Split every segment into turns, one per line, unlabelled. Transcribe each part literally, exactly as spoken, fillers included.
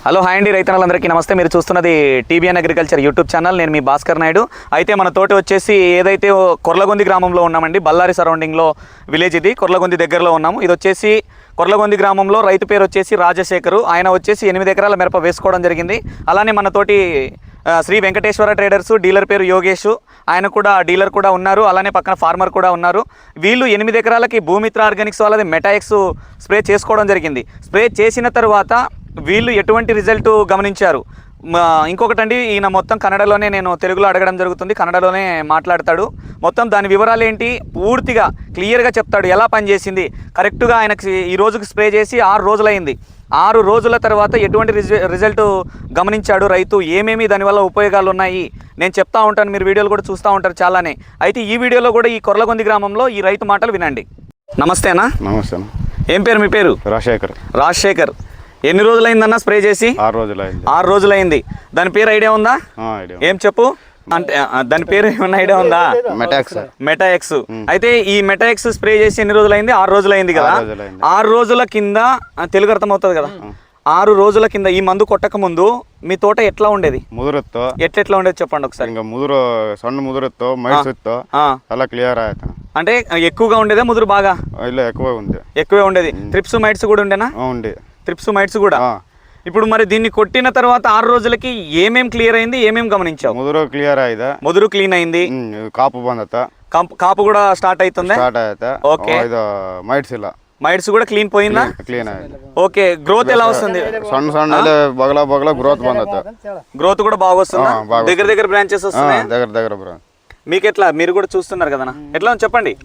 Hello hi అండి రైతన్నలందరికీ నమస్తే. మీరు చూస్తున్నది టీబీఎన్ అగ్రికల్చర్ యూట్యూబ్ ఛానల్. నేను మీ భాస్కర్ నాయుడు. అయితే మన తోటి వచ్చేసి ఏదైతే కొర్లగొంది గ్రామంలో ఉన్నామండి, బళ్ళారి సరౌండింగ్లో విలేజ్ ఇది. కొర్లగొంది దగ్గరలో ఉన్నాము. ఇది వచ్చేసి కొర్లగొంది గ్రామంలో రైతు పేరు వచ్చేసి రాజశేఖరు. ఆయన వచ్చేసి ఎనిమిది ఎకరాల మిరప వేసుకోవడం జరిగింది. అలానే మన తోటి శ్రీ వెంకటేశ్వర ట్రేడర్స్ డీలర్ పేరు యోగేష్, ఆయన కూడా డీలర్ కూడా ఉన్నారు. అలానే పక్కన ఫార్మర్ కూడా ఉన్నారు. వీళ్ళు ఎనిమిది ఎకరాలకి భూమిత్ర ఆర్గానిక్స్ వాళ్ళది మెటాఎక్స్ స్ప్రే చేసుకోవడం జరిగింది. స్ప్రే చేసిన తర్వాత వీళ్ళు ఎటువంటి రిజల్ట్ గమనించారు. ఇంకొకటండి, ఈయన మొత్తం కన్నడలోనే, నేను తెలుగులో అడగడం జరుగుతుంది, కన్నడలోనే మాట్లాడతాడు. మొత్తం దాని వివరాలు ఏంటి పూర్తిగా క్లియర్గా చెప్తాడు, ఎలా పనిచేసింది. కరెక్ట్గా ఆయనకి ఈ రోజుకి స్ప్రే చేసి ఆరు రోజులైంది. ఆరు రోజుల తర్వాత ఎటువంటి రిజల్ట్ గమనించాడు రైతు, ఏమేమి దానివల్ల ఉపయోగాలు ఉన్నాయి నేను చెప్తా ఉంటాను. మీరు వీడియోలు కూడా చూస్తూ ఉంటారు చాలానే. అయితే ఈ వీడియోలో కూడా ఈ కొర్లగొంది గ్రామంలో ఈ రైతు మాటలు వినండి. నమస్తేనా?
నమస్తే.
ఏం పేరు మీ పేరు?
రాజశేఖర్.
రాజశేఖర్, ఎన్ని రోజులైందన్న స్ప్రే చేసి?
ఆరు రోజులైంది.
ఆరు రోజులైంది. దాని పేరు ఐడియా ఉందా? ఏం చెప్పు అంటే దాని పేరు ఏమన్నా ఐడియా ఉందా?
మెటాఎక్స్.
మెటాఎక్స్. అయితే ఈ మెటాఎక్స్ స్ప్రే చేసి ఎన్ని రోజులైంది? ఆరు రోజులైంది కదా. ఆరు రోజుల కింద తెలుగు అర్థం అవుతుంది కదా. ఆరు రోజుల కింద ఈ మందు కొట్టక ముందు మీ తోట ఎట్లా ఉండేది?
ముదురుతో
ఎట్లెట్లా ఉండేది చెప్పండి ఒకసారి.
ఇంకా ముదురు సಣ್ಣ ముదురుతో మైసూర్తో అలా క్లియర్ ఆಯ್ತು.
అంటే ఎక్కువగా ఉండేదా ముదురు? బాగా
ಇಲ್ಲ ఎక్కువ ఉంది.
ఎక్కువే ఉండేది. ట్రిప్స్ మైట్స్ కూడా ఉండేనా?
ఉండే.
ట్రిప్స్ మైట్స్ కూడా. ఇప్పుడు మరి దీన్ని కొట్టిన తర్వాత ఆరు రోజులకి ఏమేం క్లియర్ అయింది, ఏమేం గమనించావు?
ముదురు క్లియర్ ఆಯ್ತು.
ముదురు క్లీన్ అయింది.
కాపు ಬಂದತ.
కాపు కూడా స్టార్ట్ అవుతుంది.
స్టార్ట్ ಆಯ್ತು. ఓకే. ಇದು మైట్స్ ಇಲ್ಲ.
మైట్స్ కూడా క్లీన్ పోయిందా?
క్లీన్ ಆಯ್ತು.
ఓకే. గ్రోత్ ఎలా వస్తుంది?
సಣ್ಣ సಣ್ಣ బగల బగల గ్రోత్ ಬಂದత.
గ్రోత్ కూడా బాగా వస్తుందా? దగ్గర దగ్గర బ్రాంచెస్ వస్తున్నాయి.
దగ్గర దగ్గర బ్రాంచ్.
మీకు ఎట్లా? మీరు కూడా చూస్తున్నారు కదా, ఎట్లా చెప్పండి.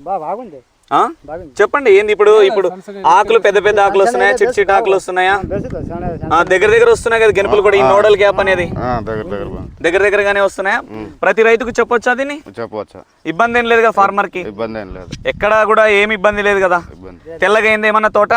చెప్పండి ఏంది ఇప్పుడు? ఇప్పుడు ఆకులు పెద్ద పెద్ద ఆకులు వస్తున్నాయా, చిట్ చిట్ ఆకులు వస్తున్నాయా? దగ్గర దగ్గర వస్తున్నాయి కదా గెనుపులు కూడా. ఈ నోడల్ గ్యాప్ అనేది దగ్గర దగ్గరగానే వస్తున్నాయా? ప్రతి రైతుకు చెప్పొచ్చా దీన్ని?
చెప్పొచ్చా?
ఇబ్బంది ఏం లేదు కదా ఫార్మర్ కి?
ఇబ్బంది ఏం లేదు.
ఎక్కడ కూడా ఏమి ఇబ్బంది లేదు కదా. తెల్లగా అయింది ఏమన్నా తోట?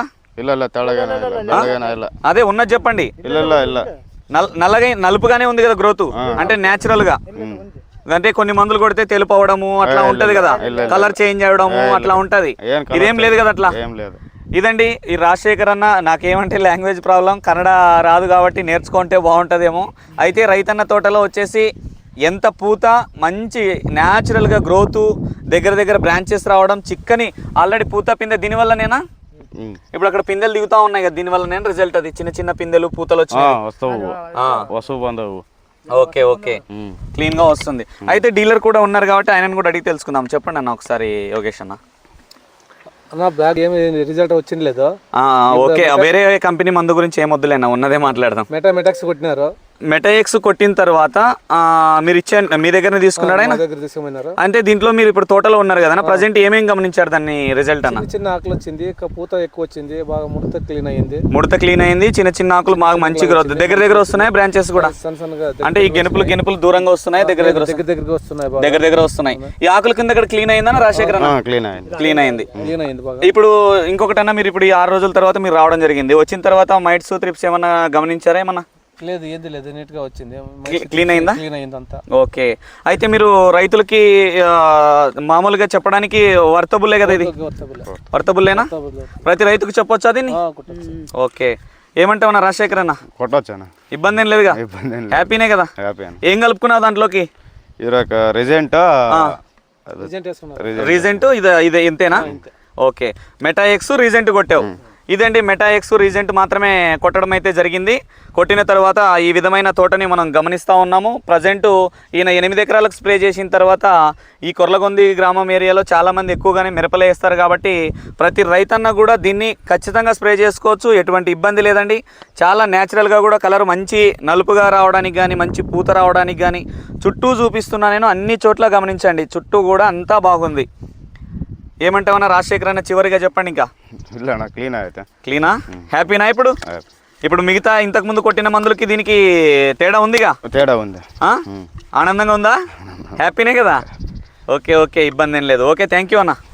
అదే ఉన్నది చెప్పండి. నల్లగా నలుపుగానే ఉంది కదా గ్రోత్, అంటే న్యాచురల్ గా. అంటే కొన్ని మందులు కొడితే తెలుపు అవడము అట్లా ఉంటది కదా, కలర్ చేంజ్ అవడము అట్లా ఉంటది. ఇదేం లేదు కదా అట్లా. ఇదండి ఈ రాజశేఖర్ అన్న. నాకేమంటే లాంగ్వేజ్ ప్రాబ్లం, కన్నడ రాదు కాబట్టి నేర్చుకుంటే బాగుంటుందేమో. అయితే రైతన్న తోటలో వచ్చేసి ఎంత పూత, మంచి న్యాచురల్గా గ్రోత్, దగ్గర దగ్గర బ్రాంచెస్ రావడం, చిక్కని ఆల్రెడీ పూత పిందె దీనివల్ల నేనా ఇప్పుడు అక్కడ పిందెలు దిగుతా ఉన్నాయి కదా, దీనివల్ల నేను రిజల్ట్ అది చిన్న చిన్న పిందెలు పూతలు వచ్చాయి. ఓకే ఓకే, క్లీన్ గా వస్తుంది. అయితే డీలర్ కూడా ఉన్నారు కాబట్టి ఆయనను కూడా అడిగి తెలుసుకుందాం. చెప్పండి అన్న ఒకసారి యోగేష్ అన్న.
బ్యాగ్ ఏమి రిజల్ట్ వచ్చింది లేదు.
ఓకే, వేరే కంపెనీ మందు గురించి ఏం వద్దులేనా, ఉన్నదే మాట్లాడదాం.
మెటా మెటాక్స్ కొట్టినారు.
మెటాఎక్స్ కొట్టిన తర్వాత మీరు ఇచ్చే మీ దగ్గర తీసుకున్నాడు ఆయన? అంటే దీంట్లో మీరు ఇప్పుడు తోటలో ఉన్నారు కదా, ప్రజెంట్ ఏమేమి గమనించారు దాన్ని రిజల్ట్ అన్న?
చిన్న ఆకులు వచ్చింది, పూత ఎక్కువ వచ్చింది, బాగా ముడత క్లీన్ అయింది.
ముడత క్లీన్ అయింది, చిన్న చిన్న ఆకులు బాగా మంచి గ్రోత్, దగ్గర దగ్గర వస్తున్నాయి బ్రాంచెస్ కూడా. అంటే ఈ గెనుపులు గెనుపులు దూరంగా వస్తున్నాయి, దగ్గర దగ్గర
దగ్గర దగ్గర వస్తున్నాయి,
దగ్గర దగ్గర వస్తున్నాయి. ఈ ఆకుల కింద ఇక్కడ క్లీన్ అయిందా రాజశేఖర్ అన్న?
క్లీన్ అయింది.
క్లీన్ అయింది,
క్లీన్ అయింది బాగా.
ఇప్పుడు ఇంకొకటన్నా, మీరు ఇప్పుడు ఈ ఆరు రోజుల తర్వాత మీరు రావడం జరిగింది. వచ్చిన తర్వాత మైట్స్ త్రిప్స్ ఏమన్నా గమనించారా? ఏమన్నా
లేదు, ఏది లేదు, నీట్ గా వచ్చింది,
క్లీన్ అయిందా?
క్లీన్ అయింది అంతా.
ఓకే. అయితే మీరు రైతులకి మామూలుగా చెప్పడానికి వర్తబుల్లే కదా ఇది? వర్తబుల్లేనా? ప్రతి రైతుకు చెప్పొచ్చా దీన్ని? ఓకే. ఏమంటావన్నా రాజశేఖర్ అన్న?
కొట్టొచ్చా?
ఇబ్బంది ఏం లేదుగా? హ్యాపీనే కదా? ఏం కలుపుకున్నావు దాంట్లోకి?
రీజెంట్
రీజెంట్ ఇది ఇది ఇంతేనా? ఓకే. మెటాఎక్స్ రీజెంట్ కొట్టావు. ఇదండి మెటాఎక్స్ రీజెంట్ మాత్రమే కొట్టడం అయితే జరిగింది. కొట్టిన తర్వాత ఈ విధమైన తోటని మనం గమనిస్తూ ఉన్నాము. ప్రజెంట్ ఈయన ఎనిమిది ఎకరాలకు స్ప్రే చేసిన తర్వాత ఈ కొర్లగొంది గ్రామం ఏరియాలో చాలామంది ఎక్కువగానే మిరపలే వేస్తారు కాబట్టి ప్రతి రైతన్న కూడా దీన్ని ఖచ్చితంగా స్ప్రే చేసుకోవచ్చు, ఎటువంటి ఇబ్బంది లేదండి. చాలా న్యాచురల్గా కూడా కలర్ మంచి నలుపుగా రావడానికి కానీ, మంచి పూత రావడానికి కానీ చుట్టూ చూపిస్తున్నా నేను, అన్ని చోట్ల గమనించండి, చుట్టూ కూడా అంతా బాగుంది. ఏమంటావన్నా రాజశేఖర్ అన్న చివరిగా చెప్పండి. ఇంకా
క్లీన్ అయితే
క్లీనా? హ్యాపీనా? ఇప్పుడు ఇప్పుడు మిగతా ఇంతకు ముందు కొట్టిన మందులకి దీనికి తేడా ఉందిగా?
తేడా ఉంది.
ఆనందంగా ఉందా? హ్యాపీనే కదా? ఓకే ఓకే, ఇబ్బంది ఏం లేదు. ఓకే, థ్యాంక్ యూ అన్న.